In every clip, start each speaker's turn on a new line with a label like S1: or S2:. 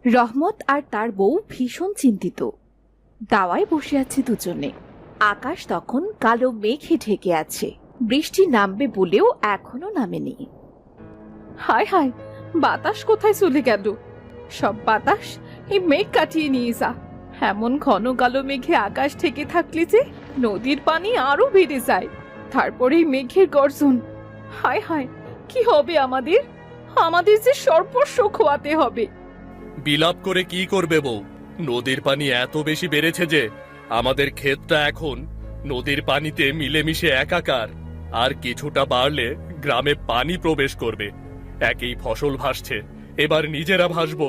S1: রহমত আর তার বউ ভীষণ চিন্তিত। দাওয়ায় বসে আছে দুজনে। আকাশ তখন কালো মেঘে ঢেকে আছে, বৃষ্টি নামবে বলেও এখনো নামেনি।
S2: হায় হায়, বাতাস কোথায় চলে গেল? সব বাতাস এই মেঘ কাটিয়ে নিয়ে যা। এমন ঘন কালো মেঘে আকাশ থেকে থাকলে যে নদীর পানি আরো বেড়ে যায়। তারপরে এই মেঘের গর্জন। হায় হায়, কি হবে আমাদের? আমাদের যে সর্বস্ব খোয়াতে হবে।
S3: বিলাপ করে কি করবে বউ? নদীর পানি এত বেশি বেড়েছে যে আমাদের ক্ষেতটা এখন নদীর পানিতে মিলেমিশে একাকার। আর কিছুটা বাড়লে গ্রামে পানি প্রবেশ করবে। একই ফসল ভাসছে, এবার নিজেরা ভাসবো।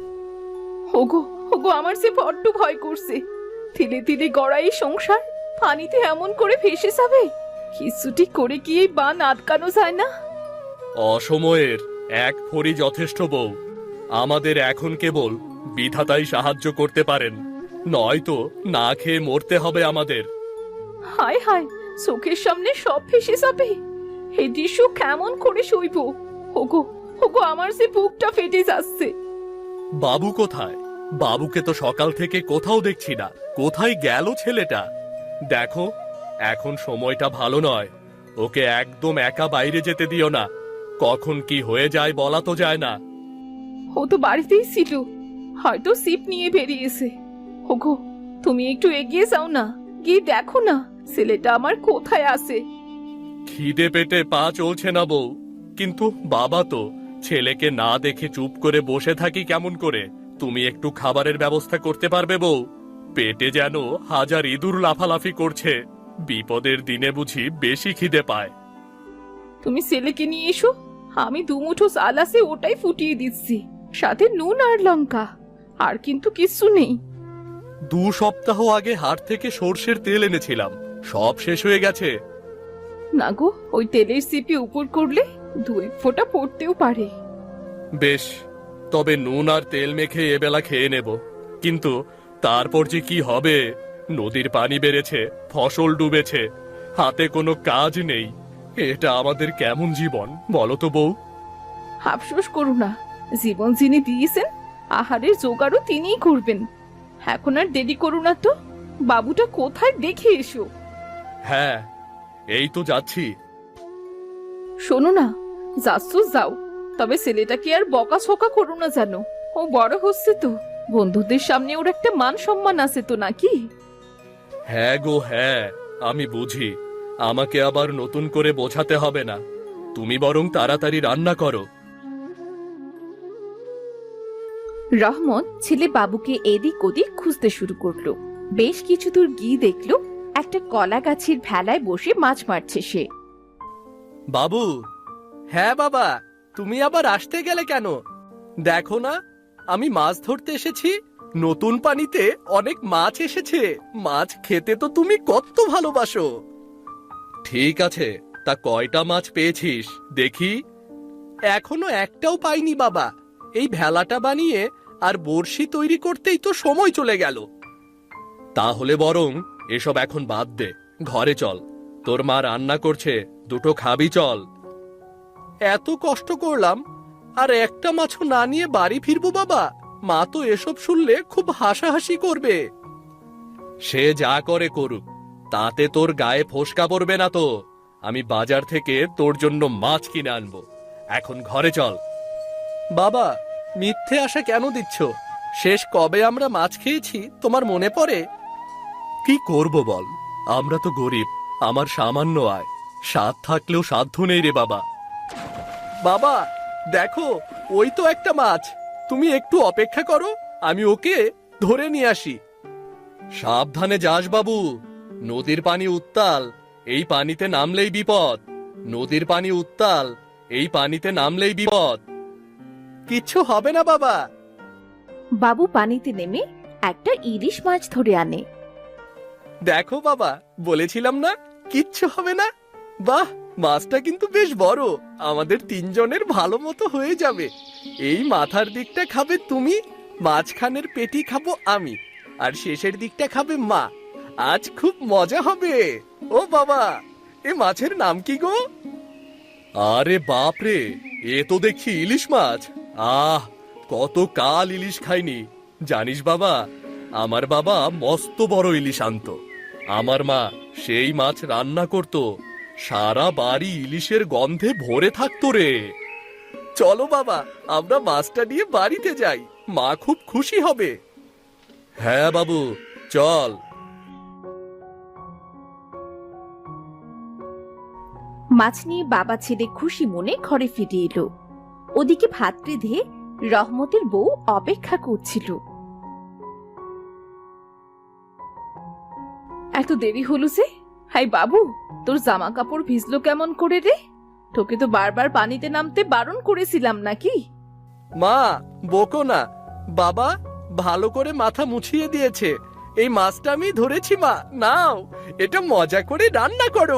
S2: ওগো ওগো, আমার যে বড্ড ভয় করছে। ধীরে ধীরে গড়া এই সংসার পানিতে এমন করে ভেসে যাবে। কিছুটি করে কি এই বান আটকানো যায় না?
S3: অসময়ের এক ফড়ি যথেষ্ট বউ। আমাদের এখন কেবল বিধাতাই সাহায্য করতে পারেন, নয়তো না খেয়ে মরতে হবে আমাদের।
S2: হায় হায়, চোখের সামনে সব ভেসে যাবে। এই দৃশ্য কেমন করে সইব? ওগো ওগো, আমার যে বুকটা ফেটে যাচ্ছে।
S3: বাবু কোথায়? বাবুকে তো সকাল থেকে কোথাও দেখছি না। কোথায় গেল ছেলেটা? দেখো, এখন সময়টা ভালো নয়। ওকে একদম একা বাইরে যেতে দিও না। কখন কি হয়ে যায় বলা তো যায় না।
S2: ও তো বাড়িতেই ছিল, হয়তো সিপ নিয়ে বেরিয়েছে। ওগো, তুমি একটু এগিয়ে যাও না, গিয়ে দেখো না ছেলেটা আমার কোথায় আছে।
S3: খিদে পেটে পা চলছে না বউ, কিন্তু বাবা তো। ছেলেকে না দেখে চুপ করে বসে থাকি কেমন করে? তুমি একটু খাবারের ব্যবস্থা করতে পারবে বউ? পেটে যেন হাজার ইঁদুর লাফালাফি করছে। বিপদের দিনে বুঝি বেশি খিদে পায়।
S2: তুমি ছেলেকে নিয়ে এসো, আমি দুমুঠো চাল আছে ওটাই ফুটিয়ে দিচ্ছি, সাথে নুন আর লঙ্কা। আর কিন্তু কিচ্ছু নেই।
S3: 2 সপ্তাহ আগে হাট থেকে সর্ষের তেল এনেছিলাম, সব শেষ হয়ে গেছে।
S2: না গো, ওই তেলের সিপি উপর করলে 2 ফোঁটা পড়তেও পারে।
S3: বেশ, তবে নুন আর তেল মেখে এবেলা খেয়ে নেব। কিন্তু তারপর যে কি হবে? নদীর পানি বেড়েছে, ফসল ডুবেছে, হাতে কোনো কাজ নেই। এটা আমাদের কেমন জীবন বলো তো বউ?
S2: আফসোস করো না, জীবন যিনি দিয়েছেন আহারের জোগাড়ও তিনিই করবেন। এখন আর দেরি করো না তো, বাবুটা কোথায় দেখে এসো।
S3: হ্যাঁ, এই তো যাচ্ছি।
S2: শোনো না, যাচ্ছ যাও, তবে ছেলেটাকে আর বকাঝকা করো না জানো। ও বড় হচ্ছে তো, বন্ধুদের সামনে ওর একটা মান সম্মান আছে তো নাকি?
S3: হ্যাঁ গো হ্যাঁ, আমি বুঝি। আমাকে আবার নতুন করে বোঝাতে হবে না। তুমি বরং তাড়াতাড়ি রান্না করো।
S1: রহমত ছেলে বাবুকে এদিক ওদিক খুঁজতে শুরু করলো। বেশ কিছু দূর গিয়ে দেখলো একটা কলা গাছের ভেলায় বসে মাছ মারছে সে।
S4: বাবু। হ্যাঁ বাবা, তুমি আবার আসতে গেলে কেন? দেখো না, আমি মাছ ধরতে এসেছি। নতুন পানিতে অনেক মাছ এসেছে। মাছ খেতে তো তুমি কত ভালোবাসো।
S3: ঠিক আছে, তা কয়টা মাছ পেয়েছিস দেখি?
S4: এখনো একটাও পাইনি বাবা। এই ভেলাটা বানিয়ে আর বড়শি তৈরি করতেই তো সময় চলে গেল।
S3: তাহলে বরং এসব এখন বাদ দে, ঘরে চল। তোর মা রান্না করছে, দুটো খাবি চল।
S4: এত কষ্ট করলাম, আর একটা মাছও না নিয়ে বাড়ি ফিরবো বাবা? মা তো এসব শুনলে খুব হাসাহাসি করবে।
S3: সে যা করে করুক, তাতে তোর গায়ে ফোসকা পড়বে না তো। আমি বাজার থেকে তোর জন্য মাছ কিনে আনবো। এখন ঘরে চল।
S4: বাবা, মিথ্যে আশা কেন দিচ্ছ? শেষ কবে আমরা মাছ খেয়েছি তোমার মনে পড়ে?
S3: কি করব বল, আমরা তো গরিব। আমার সামান্য আয়, স্বাদ থাকলেও সাধ্য নেই রে বাবা।
S4: বাবা দেখো, ওই তো একটা মাছ। তুমি একটু অপেক্ষা করো, আমি ওকে ধরে নিয়ে আসি।
S3: সাবধানে যাস বাবু, নদীর পানি উত্তাল, এই পানিতে নামলেই বিপদ। নদীর পানি উত্তাল, এই পানিতে নামলেই বিপদ।
S4: কিচ্ছু হবে না বাবা।
S1: বাবু পানিতে নেমে একটা ইলিশ মাছ ধরে আনে।
S4: দেখো বাবা, বলেছিলাম না কিচ্ছু হবে না। বাহ, মাছটা কিন্তু বেশ বড়। আমাদের 3 জনের ভালো মতো হয়ে যাবে। এই মাথার দিকটা খাবে তুমি, মাঝখানের পেটি খাবো আমি, আর শেষের দিকটা খাবে মা। আজ খুব মজা হবে। ও বাবা, এ মাছের নাম কি গো?
S3: আরে বাপ রে, এ তো দেখছি ইলিশ মাছ। আহ, কত কাল ইলিশ খাইনি। জানিস বাবা, আমার বাবা মস্ত বড় ইলিশ আনতো। আমার মা সেই মাছ রান্না করত, সারা বাড়ি ইলিশের গন্ধে ভরে থাকতো রে।
S4: চলো বাবা, আমরা মাছটা নিয়ে বাড়িতে যাই, মা খুব খুশি হবে।
S3: হ্যাঁ বাবু, চল।
S1: মাছ নিয়ে বাবা ছেলে খুশি মনে ঘরে ফিরে এলো। ওদিকে ভাত রেঁধে রহমতের বউ অপেক্ষা করছিল।
S2: এত দেরি হলো যে? হাই বাবু, তোর জামা কাপড় ভিজলো কেমন করে রে? তোকে তো বারবার পানিতে নামতে বারণ করেছিলাম নাকি?
S4: মা, বকো না। বাবা ভালো করে মাথা মুছিয়ে দিয়েছে। এই মাছটা আমি ধরেছি মা, নাও, এটা মজা করে রান্না করো।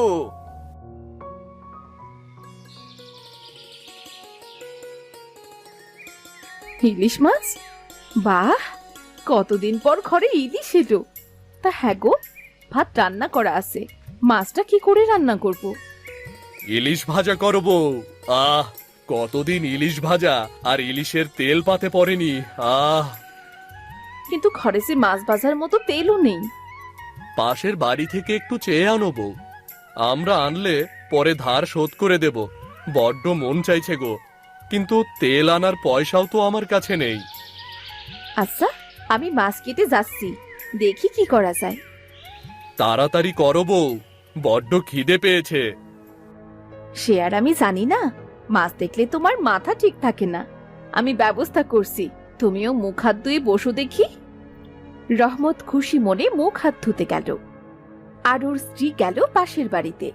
S2: ইলিশ মাছ? বাহ, কতদিন পর ঘরে ইলিশ এলো। তা হ্যাঁ গো, ভাত রান্না করা আছে, মাছটা কি করে রান্না করব?
S3: ইলিশ ভাজা করব। আহ, কতদিন ইলিশ ভাজা আর ইলিশের তেল পাতে পড়েনি। আহ,
S2: কিন্তু ঘরে যে মাছ ভাজার মতো তেলও নেই।
S3: পাশের বাড়ি থেকে একটু চেয়ে আনো বউ। আমরা আনলে পরে ধার শোধ করে দেব। বড্ড মন চাইছে গো, কিন্তু তেল আনার পয়সাও তো আমার কাছে নেই।
S1: আচ্ছা, আমি মাছ কেটে যাচ্ছি, দেখি কি করা যায়।
S3: তাড়াতাড়ি করো বউ, বড্ড খিদে পেয়েছে।
S1: সে আর আমি জানি না, মাছ দেখলে তোমার মাথা ঠিক থাকে না।
S2: আমি ব্যবস্থা করছি, তুমিও মুখ হাত ধুয়ে বসো দেখি।
S1: রহমত খুশি মনে মুখ হাত ধুতে গেল, আর ওর স্ত্রী গেল পাশের বাড়িতে।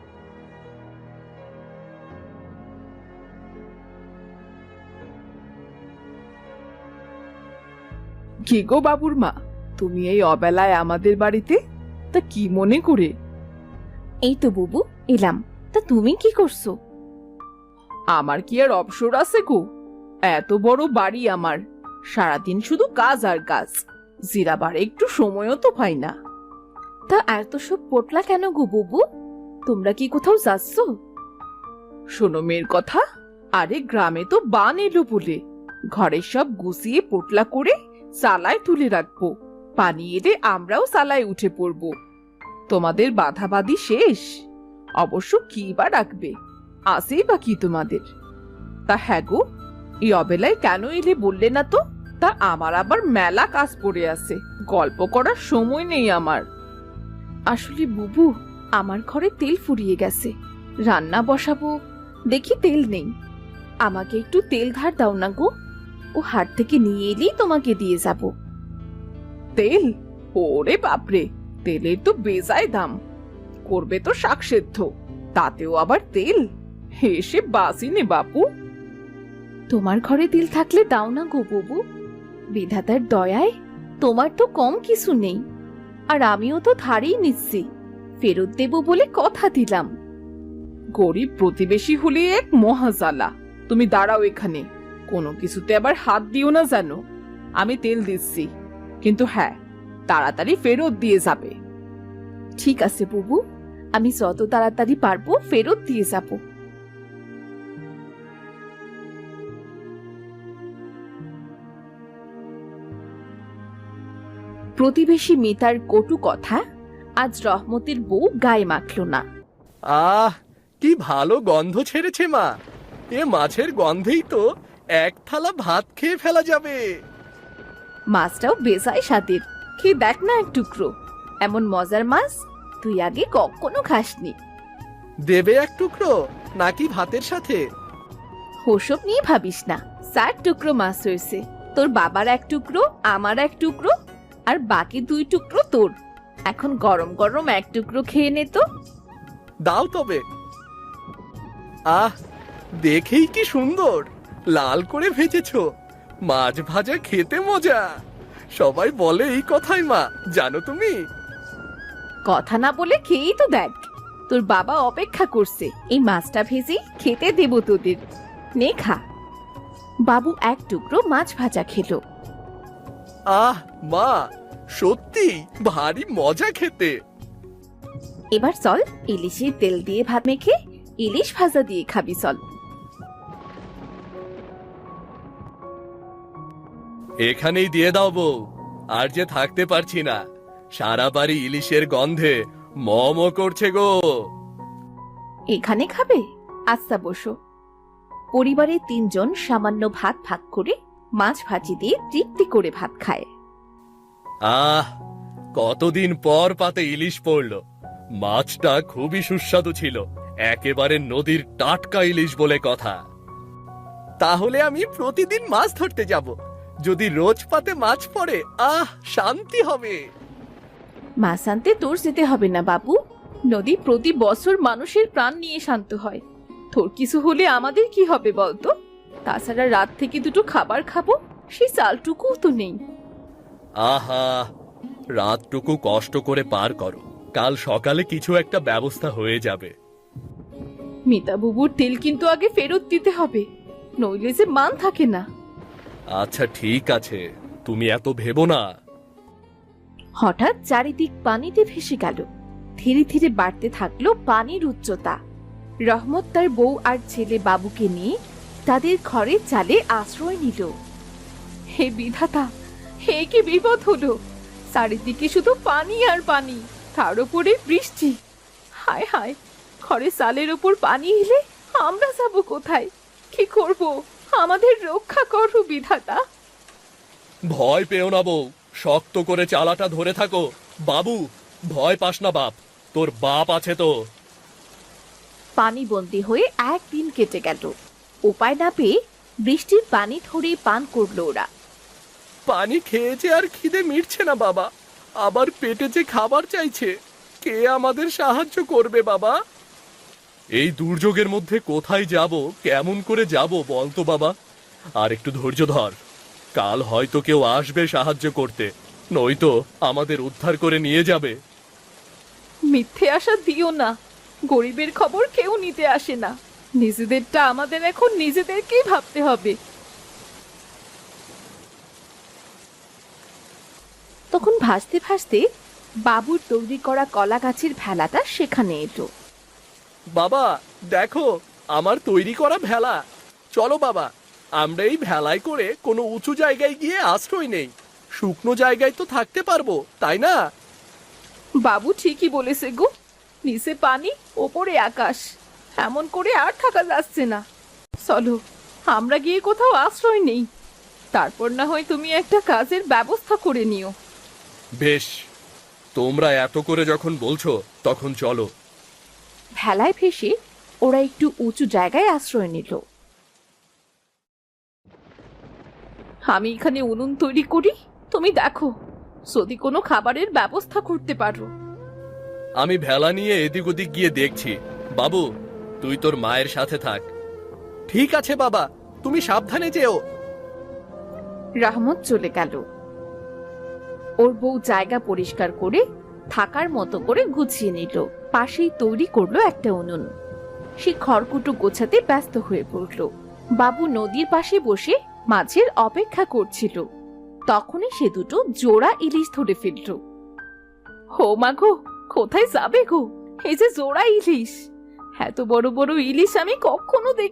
S2: কি গো বাবুর মা, তুমি এই অবেলায় আমাদের বাড়িতে? তা কি মনে করে?
S1: এই তো বুবু, এলাম। তা তুমি কি করছো?
S2: আমার কি আর অবসর আছে গো? এত বড় বাড়ি আমার, সারাদিন শুধু কাজ আর কাজ, জিরাবার একটু সময়ও তো পাই না।
S1: তা এত সব পোটলা কেন গো বুবু? তোমরা কি কোথাও যাচ্ছ?
S2: শোনো মেয়ের কথা, আরে গ্রামে তো বান এলো বলে ঘরের সব গুছিয়ে পোটলা করে চালায় তুলে রাখবো। পানি এলে আমরাও চালায় উঠে পড়বো। তোমাদের বাধাবাধি শেষ। অবশ্য কি বা রাখবে, আসেই বা কি তোমাদের? তা হ্যাঁ গো, এই অবেলায় কেন এলে বললে না তো? তা আমার আবার মেলা কাজ পড়ে আছে, গল্প করার সময় নেই আমার।
S1: আসলে বুবু, আমার ঘরে তেল ফুরিয়ে গেছে, রান্না বসাবো, দেখি তেল নেই। আমাকে একটু তেল ধার দাও না গো, ও হাট থেকে নিয়ে এলেই তোমাকে দিয়ে যাব।
S2: তেল? ওরে বাপরে, তেলের তো বেজায় দাম। করবে তো শাক সেদ্ধ, তাতেও আবার তেল? হেসে বাসি নে বাপু।
S1: তোমার ঘরে তেল থাকলে দাও না গো বুবু, বিধাতার দয়ায় তোমার তো কম কিছু নেই, আর আমিও তো ধারেই নিচ্ছি, ফেরত দেব বলে কথা দিলাম।
S2: গরিব প্রতিবেশী হলে এক মহাজালা। তুমি দাঁড়াও এখানে, কোনো কিছুতে আবার হাত দিও না জানো। আমি তেল দিচ্ছি, কিন্তু হ্যাঁ, তাড়াতাড়ি ফেরত দিয়ে যাবে।
S1: ঠিক আছে বুবু, আমি যত তাড়াতাড়ি পারবো ফেরত দিয়ে যাব। প্রতিবেশী মিতার কটু কথা আজ রহমতের বউ গায়ে মাখল না।
S4: আহ, কি ভালো গন্ধ ছেড়েছে মা। এ মাছের গন্ধেই তো এক থালা ভাত খেয়ে ফেলা যাবে।
S1: মাছটাও বেজায় স্বাদের, খেয়ে দেখ না এক টুকরো। এমন মজার মাছ তুই আগে কখনো খাসনি।
S4: দেবে এক টুকরো নাকি ভাতের সাথে?
S1: ওসব নিয়ে ভাবিস না, 4 টুকরো মাছ হয়েছে। তোর বাবার 1 টুকরো, আমার 1 টুকরো, আর বাকি 2 টুকরো তোর। এখন গরম গরম 1 টুকরো খেয়ে নে তো।
S4: দাও তবে। আহ, দেখেই কি সুন্দর লাল করে ভেজেছো। মাছ ভাজা খেতে মজা। সবাই বলে এই কথাই মা, জানো তুমি?
S1: কথা না বলে খেয়েই তো দেখ, তোর বাবা অপেক্ষা করছে এই মাছটা ভেজে খেতে দেব তোদের। নে খা। বাবু 1 টুকরো মাছ ভাজা খেলো।
S4: আহ মা, সত্যি ভারী মজা খেতে।
S1: এবার চল ইলিশের তেল দিয়ে ভাত মেখে ইলিশ ভাজা দিয়ে খাবি চল।
S3: এখানেই দিয়ে দাও বউ, আর যে থাকতে পারছি না, সারা বাড়ি ইলিশের গন্ধে ম ম করছে গো।
S1: এখানে খাবে? আচ্ছা বসো। পরিবারের 3 জন সামান্য ভাত ভাগ করে মাছ ভাজি দিয়ে তৃপ্তি করে ভাত খায়।
S3: আহ, কতদিন পর পাতে ইলিশ পড়লো। মাছটা খুবই সুস্বাদু ছিল, একেবারে নদীর টাটকা ইলিশ বলে কথা।
S4: তাহলে আমি প্রতিদিন মাছ ধরতে যাব। যদি রোজ পাতে মাছ পড়ে, শান্তি হবে।
S1: মাছ আনতে তোর যেতে হবে না বাবু।
S2: নদী প্রতি বছর মানুষের প্রাণ নিয়ে শান্ত হয়, তোর কিছু হলে আমাদের কি হবে বলতো? তাছাড়া রাত থেকে দুটো খাবার খাবো, সেই চালটুকুও তো নেই।
S3: আহা, রাতটুকু কষ্ট করে পার করো, কাল সকালে কিছু একটা ব্যবস্থা হয়ে যাবে।
S2: মিতা বুবুর তেল কিন্তু আগে ফেরত দিতে হবে, নইলে যে মান থাকে না।
S3: আচ্ছা ঠিক আছে, তুমি এত ভেবো না।
S1: হঠাৎ চারিদিক পানিতে ভেসে গেল। ধীরে ধীরে বাড়তে থাকলো পানির উচ্চতা। রহমত তার বউ আর ছেলে বাবুকে নিয়ে তাদের ঘরে চালে আশ্রয় নিল।
S2: হে বিধাতা, হে কি বিপদ হলো! চারিদিকে শুধু পানি আর পানি, তার উপরে বৃষ্টি। হায় হায়, ঘরে চালের উপর পানি এলে আমরা যাব কোথায়? কি করব? আমাদের রক্ষা করো বিধাতা।
S3: ভয় পেও না বউ, শক্ত করে চালাটা ধরে থাকো। বাবু, ভয় পাস না বাপ, তোর বাপ আছে তো।
S1: পানিবন্দী হয়ে 1 দিন কেটে গেল। উপায় না পেয়ে বৃষ্টির পানি ধরে পান করলো ওরা।
S4: পানি খেয়েছে আর খিদে মিটছে না বাবা, আবার পেটে যে খাবার চাইছে। কে আমাদের সাহায্য করবে বাবা?
S3: এই দুর্যোগের মধ্যে কোথায় যাব, কেমন করে যাব বলতো বাবা? আর একটু ধৈর্য ধর, কাল হয়তো কেউ আসবে সাহায্য করতে, নয়তো আমাদের উদ্ধার করে নিয়ে যাবে।
S2: মিথ্যে আশা দিও না, গরিবের খবর কেউ নিতে আসে না। নিজেদেরটা আমাদের এখন নিজেদেরকেই ভাবতে হবে।
S1: তখন ভাসতে ভাসতে বাবুর তৈরি করা কলা গাছের ভেলাটা সেখানে এলো।
S4: বাবা দেখো, আমার তৈরি করা ভেলা। চলো বাবা, আমরা এই ভেলায় করে কোনো উঁচু জায়গায় গিয়ে আশ্রয় নেই। শুকনো জায়গায় তো থাকতে পারবো, তাই না?
S2: বাবু ঠিকই বলেছে গো, নিচে পানি ওপরে আকাশ, এমন করে আর থাকা যাচ্ছে না। চলো আমরা গিয়ে কোথাও আশ্রয় নেই, তারপর না হয় তুমি একটা কাজের ব্যবস্থা করে নিও।
S3: বেশ, তোমরা এত করে যখন বলছো তখন চলো।
S1: ভেলায় ভেসে ওরা একটু উঁচু জায়গায় আশ্রয় নিল।
S2: আমি এখানে উনুন তৈরি করি, তুমি দেখো যদি কোনো খাবারের ব্যবস্থা করতে পারো।
S3: আমি ভেলা নিয়ে এদিক ওদিক গিয়ে দেখছি। বাবু, তুই তোর মায়ের সাথে থাক।
S4: ঠিক আছে বাবা, তুমি সাবধানে যেও।
S1: রহমত চলে গেল। ওর বউ জায়গা পরিষ্কার করে থাকার মতো করে গুছিয়ে নিল। পাশেই তৈরি করলো একটা উনুন। সে খড়কুটো গোছাতে ব্যস্ত হয়ে পড়ল। বাবু নদীর পাশে বসে মাছের অপেক্ষা করছিল। তখনই সে দুটো জোড়া ইলিশ ধরে ফেলল।
S2: হো মা গো, কোথায় যাবে গো? এই যে জোড়া ইলিশ, এত বড় বড় ইলিশ আমি কখনো